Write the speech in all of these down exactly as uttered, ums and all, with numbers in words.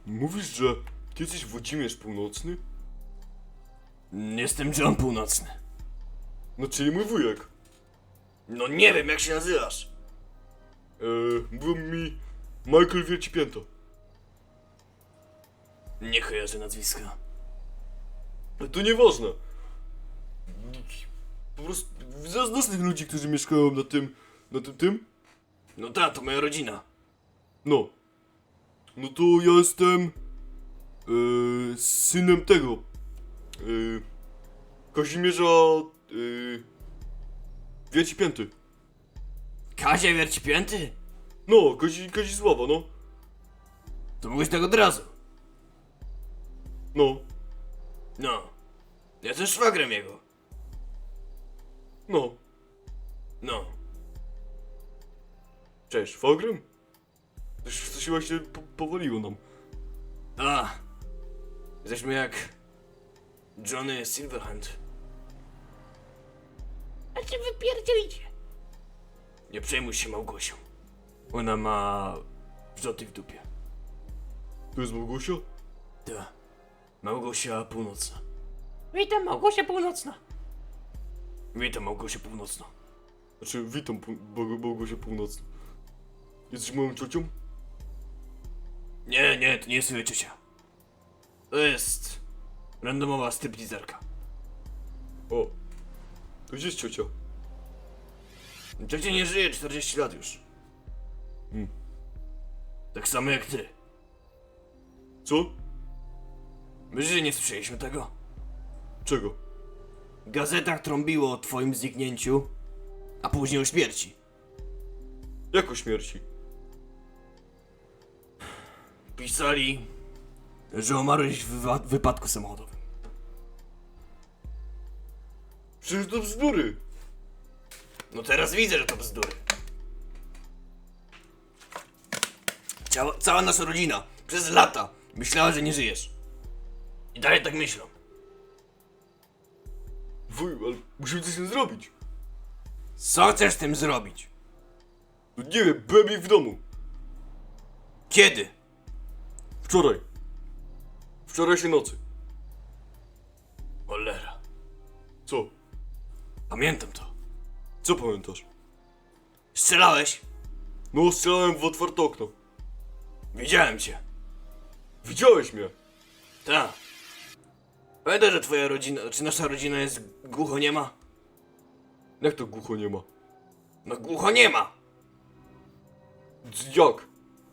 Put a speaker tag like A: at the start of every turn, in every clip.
A: Mówisz, że ty jesteś Włodzimierz Północny?
B: Jestem John Północny.
A: No, czyli mój wujek.
B: No nie wiem, jak się nazywasz.
A: Eee, mówią mi Michael Wiercipięta.
B: Nie kojarzę nazwiska.
A: Ale to nieważne. Po prostu zaznasz tych ludzi, którzy mieszkają na tym, na tym, tym?
B: No ta, to moja rodzina.
A: No. No to ja jestem eee, synem tego. Eee, Kazimierza eee, Wiercipięty.
B: Kazia Wiercipięty?
A: No, Kazi, Kazisława, no.
B: To mówisz tak od razu.
A: No,
B: No. Ja też szwagrem jego.
A: no.
B: No.
A: Cześć, Fogrym? Coś, coś właśnie po, powaliło nam.
B: A. Jesteśmy jak Johnny Silverhand. A cię wypierdzielicie. Nie przejmuj się Małgosią. Ona ma wrzoty w dupie.
A: To jest Małgosia?
B: Ta. Małgosia Północna.
C: Witam, Małgosia Północna.
B: Witam Małgosię Północną.
A: Znaczy, witam pół, Małg- Małgosia Północna. Jesteś moją ciocią?
B: Nie, nie, to nie jest twoja ciocia. To jest randomowa stripteaserka.
A: O. To gdzie jest ciocia?
B: Ciocia nie żyje czterdzieści lat już.
A: Hmm.
B: Tak samo jak ty.
A: Co?
B: My że nie słyszeliśmy tego?
A: Czego?
B: W gazetach trąbiło o twoim zniknięciu, a później o śmierci.
A: Jak o śmierci?
B: Pisali, że umarłeś w wywa- wypadku samochodowym.
A: Przecież to bzdury!
B: No teraz widzę, że to bzdury. Cała, cała nasza rodzina przez lata myślała, że nie żyjesz. I dalej tak myślą.
A: Wuj, ale musimy coś z tym zrobić.
B: Co chcesz z tym zrobić?
A: No nie wiem, byłem ich w domu.
B: Kiedy?
A: Wczoraj. Wczorajszej nocy.
B: Cholera.
A: Co?
B: Pamiętam to.
A: Co pamiętasz?
B: Strzelałeś?
A: No, strzelałem w otwarte okno.
B: Widziałem cię.
A: Widziałeś mnie!
B: Tak. Pamiętasz, że twoja rodzina, czy nasza rodzina jest głuchoniema?
A: Jak to głucho nie ma?
B: No głuchoniema!
A: C- Jak?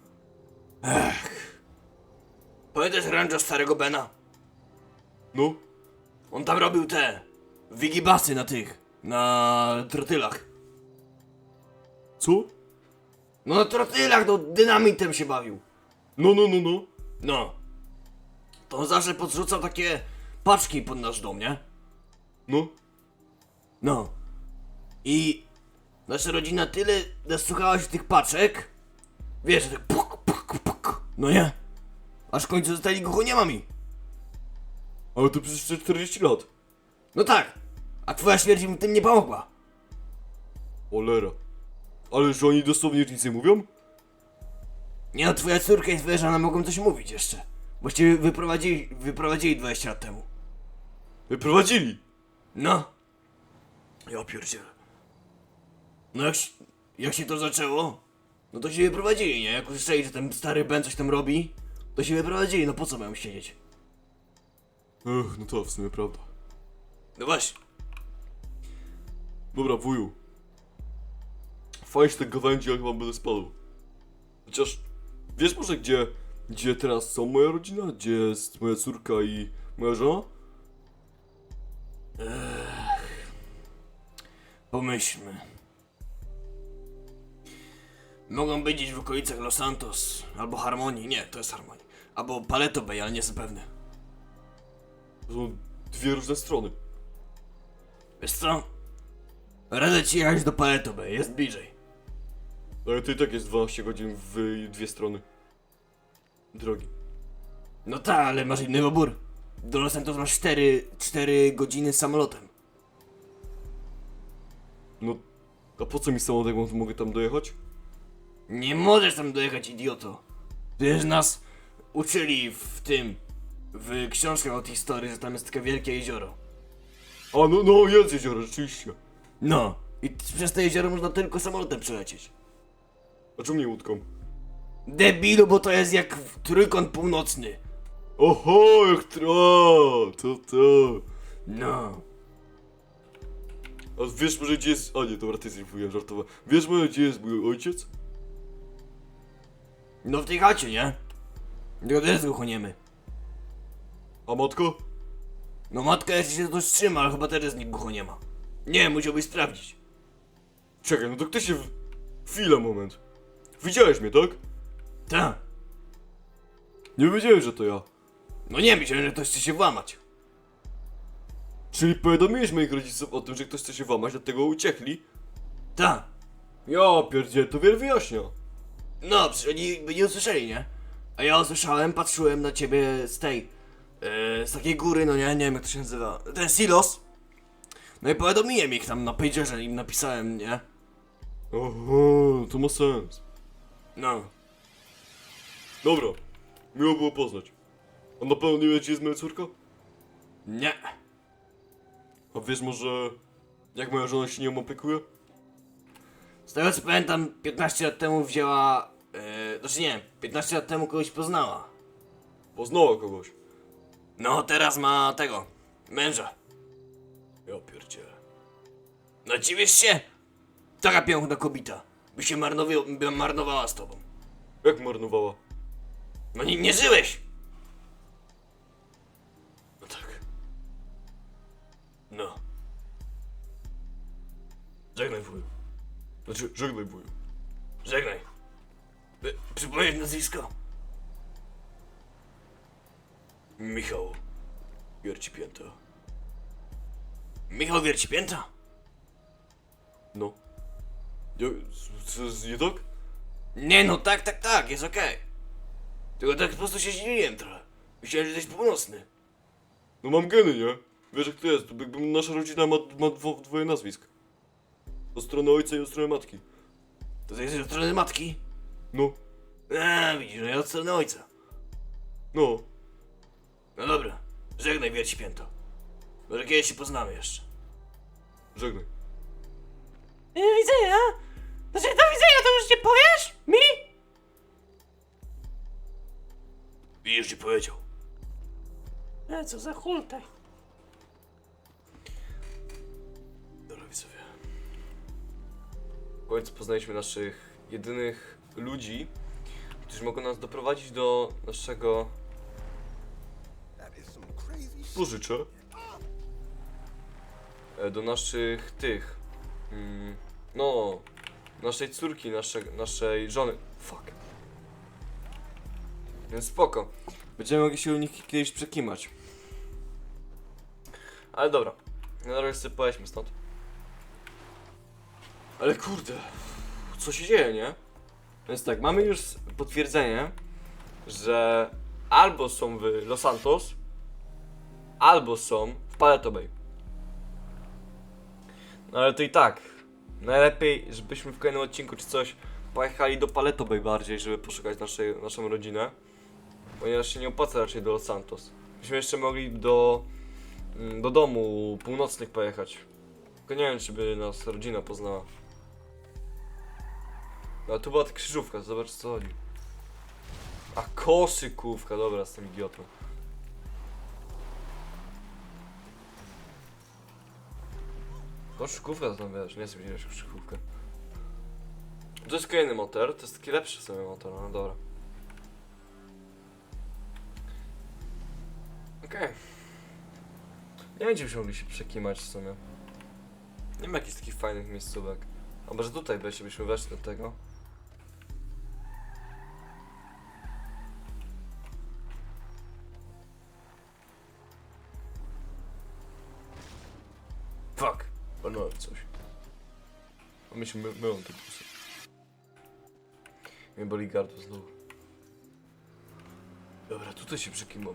B: Pamiętasz rancho starego Bena?
A: No?
B: On tam robił te wigibasy na tych, na trotylach.
A: Co?
B: No na trotylach, no dynamitem się bawił.
A: No, no, no, no.
B: No. To on zawsze podrzucał takie paczki pod nasz dom, nie?
A: No.
B: No. I nasza rodzina tyle nasłuchała się tych paczek, wiesz, że tak puk, puk, puk, no nie? Aż w końcu zostali głuchoniemami.
A: Ale to przecież czterdzieści lat.
B: No tak. A twoja śmierć im tym nie pomogła.
A: Cholera. Ale że oni dosłownie nic nie mówią?
B: Nie no, twoja córka i twoja żona mogą coś mówić jeszcze. Właściwie wyprowadzili, wyprowadzili dwadzieścia lat temu.
A: Wyprowadzili.
B: No. Ja pierdzielę. No jak, się- jak się to zaczęło, no to się wyprowadzili, nie? Jak usłyszeli, że ten stary Ben coś tam robi, to się wyprowadzili, no po co mają siedzieć?
A: Ech, no to w sumie prawda.
B: No właśnie.
A: Dobra, wuju. Fajnie się te gawędzi, jak wam będę spadł. Chociaż, wiesz może gdzie, gdzie teraz są moja rodzina? Gdzie jest moja córka i moja żona?
B: Pomyślmy. Mogą być gdzieś w okolicach Los Santos, albo Harmonii, nie, to jest Harmonii. Albo Paleto Bay, ale nie jestem pewny.
A: To są dwie różne strony.
B: Wiesz co? Radzę ci jechać do Paleto Bay, jest bliżej.
A: Ale to i tak jest dwanaście godzin w dwie strony. Drogi.
B: No tak, ale masz inny wybór. Do Los Santos masz cztery godziny samolotem.
A: No, a po co mi samolot, jak mogę tam dojechać?
B: Nie możesz tam dojechać, idioto. Przecież nas uczyli w tym, w książkach od historii, że tam jest takie wielkie jezioro.
A: A no, no jest jezioro, rzeczywiście.
B: No, i t- przez to jezioro można tylko samolotem przelecieć.
A: A czemu nie łódką?
B: Debilu, bo to jest jak w- trójkąt północny.
A: Oho, jak tra, to to.
B: No.
A: A wiesz może gdzie jest... A nie, dobra, ty jesteś wujem, żartowałem. Wiesz może gdzie jest mój ojciec?
B: No w tej chacie, nie? Tylko też głuchoniemy.
A: A matko?
B: No matka jeszcze się to trzyma, ale chyba też nikt głucho nie ma. Nie, musiałbyś sprawdzić.
A: Czekaj, no to kto się... W... Chwila, moment. Widziałeś mnie, tak?
B: Ta.
A: Nie wiedziałem, że to ja.
B: No nie, myślałem, że ktoś chce się włamać.
A: Czyli powiadomiłeś moich rodziców o tym, że ktoś chce się włamać, dlatego uciekli?
B: Ta.
A: Ja pierdzielę, to wiele wyjaśnia.
B: No, przecież oni by nie usłyszeli, nie? A ja usłyszałem, patrzyłem na ciebie z tej... Yy, z takiej góry, no nie, nie wiem jak to się nazywa. Ten silos. No i powiadomiłem ich tam na pagerze, im napisałem, nie?
A: Oho, to ma sens.
B: No.
A: Dobra, miło było poznać. A na pewno nie wiesz, gdzie jest moja córka?
B: Nie.
A: A wiesz może, jak moja żona się nią opiekuje?
B: Z tego co pamiętam, piętnaście lat temu wzięła... Yy, znaczy nie, piętnaście lat temu kogoś poznała.
A: Poznała kogoś.
B: No, teraz ma tego, męża.
A: Ja pierdzielę.
B: No dziwisz się? Taka piękna kobieta. By się marnowi- by marnowała z tobą.
A: Jak marnowała?
B: No nie, nie żyłeś!
A: No tak.
B: No. Żegnaj wuju.
A: Znaczy, żegnaj wuju.
B: Żegnaj. By, przypomnieć nazwisko?
A: Michał. Wiercipięta.
B: Michał Wiercipięta?
A: No. Ja, co jest nie tak?
B: Nie no, tak, tak, tak, jest okej. Tylko tak po prostu się zdziwiłem trochę. Myślałem, że jesteś północny.
A: No mam geny, nie? Wiesz jak to jest, to jakby nasza rodzina ma, ma dwo, dwoje nazwisk. Od strony ojca i od strony matki.
B: To ty jesteś od strony matki?
A: No,
B: A, widzisz, no ja od strony ojca.
A: no.
B: No dobra, żegnaj Wiercipięto. Może kiedyś się poznamy jeszcze.
A: Żegnaj.
C: Do widzenia. Znaczy, do widzenia to już nie powiesz? Mi?
B: I już ci powiedział.
C: E, co za hultaj.
A: Dobra widzowie. W końcu poznaliśmy naszych jedynych ludzi, którzy mogą nas doprowadzić do naszego pożyczę. E, Do naszych tych. Mm, no. Naszej córki, nasze, naszej żony. Fuck. Więc spoko. Będziemy mogli się u nich kiedyś przekimać. Ale dobra. Na razie sobie pojedźmy stąd. Ale kurde. Co się dzieje, nie? Więc tak, mamy już potwierdzenie, że albo są w Los Santos, albo są w Paleto Bay. No ale to i tak. Najlepiej, żebyśmy w kolejnym odcinku czy coś pojechali do Paleto Bay bardziej, żeby poszukać naszej, naszą rodzinę. Ponieważ się nie opłaca raczej do Los Santos. Byśmy jeszcze mogli do, mm, do domu północnych pojechać. Tylko nie wiem, czy by nas rodzina poznała. No, ale tu była ta krzyżówka, zobacz co chodzi. A koszykówka, dobra, jestem idiotą. Koszykówka to tam wiesz, nie chcę widzieć koszykówkę. To jest kolejny motor, to jest taki lepszy sobie motor, no dobra. Okej. Okay. Nie wiem, gdzie byśmy mogli się przekimać w sumie. Nie ma jakichś takich fajnych miejscówek. A może tutaj byśmy, byśmy weszli do tego? Fuck. Walnąłem coś. A mi się my, mylą te pusy. Mnie boli gardło znowu. Dobra, tutaj się przekimam.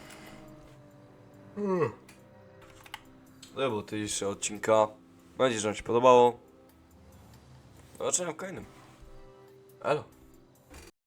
A: To był dzisiejszy odcinka. Mam nadzieję, że wam się podobało. Zobaczenia w kolejnym. Elo.